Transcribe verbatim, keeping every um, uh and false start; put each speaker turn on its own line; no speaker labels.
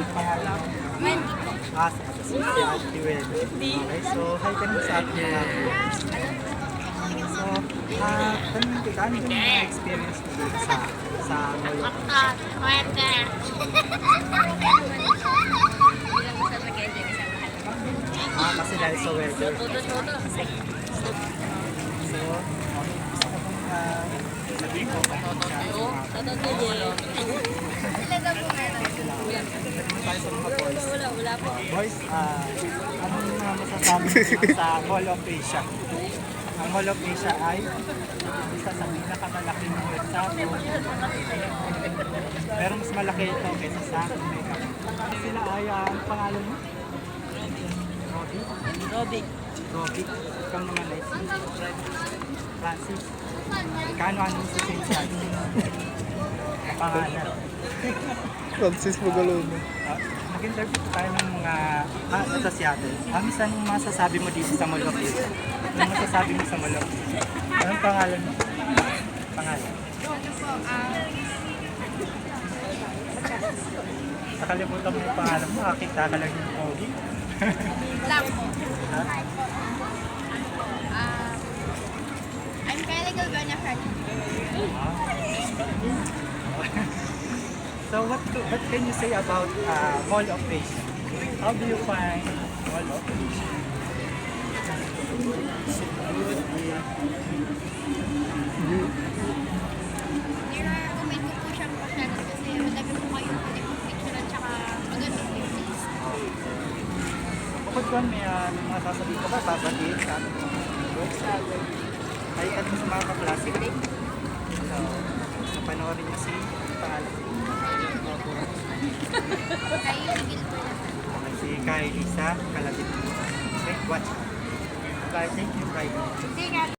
Anong pangalan mo? Ah, si Ate Wen. Okay, so hi ka na sa ating mga viewers. So, ah, tanong kita, ano yung mga experience mo dito sa sa Mall of Asia? Ah, kasi dahil sa weather. So, okay, gusto ko pong ah, sabihin ko kung ano siya sa mga tayo sa mga boys. Boys, ah, anong mga masasabi niyo sa Mall of Asia? Ang Mall of Asia ay isa sa pinakamalaking mall sa buong pero mas malaki ito kaysa sa Mega. Sila ay, ah, ang pangalan mo? Rodi?
Rodi.
Rodi. Ikaw naman ay si Francis. Kano-ano sa Saint Francis? Ang pangalan.
Francis Magalona.
Uh, Nag-interview po tayo ng mga ah, ito si ate. Ang isang masasabi mo dito sa Mall of Asia? Anong masasabi mo sa Mall of Asia? Anong pangalan mo? Pangalan? Nakalimutan mo yung pangalan mo, kakita ka lang yung pogi.
Lang po.
Ha?
Ah, I'm Kylie Galvania Fernandez.
So what to, what can you say about uh, Mall of Asia? How do you find Mall of Asia?
Nire-recommend ko po siyang pasyalan kasi madami po kayong pwede po picture at saka maganda po yung place.
Bukod doon, may uh, may mga sasabihin ka ba? Babatiin sa ating mga viewers? Kahit ka din sa mga kaklase. So, napanoorin niyo si pangalan.
Kaya higil po lang.
Okay, si Kylie sa Kalabit. Okay, watch. Bye, thank you, Kylie.
Sige.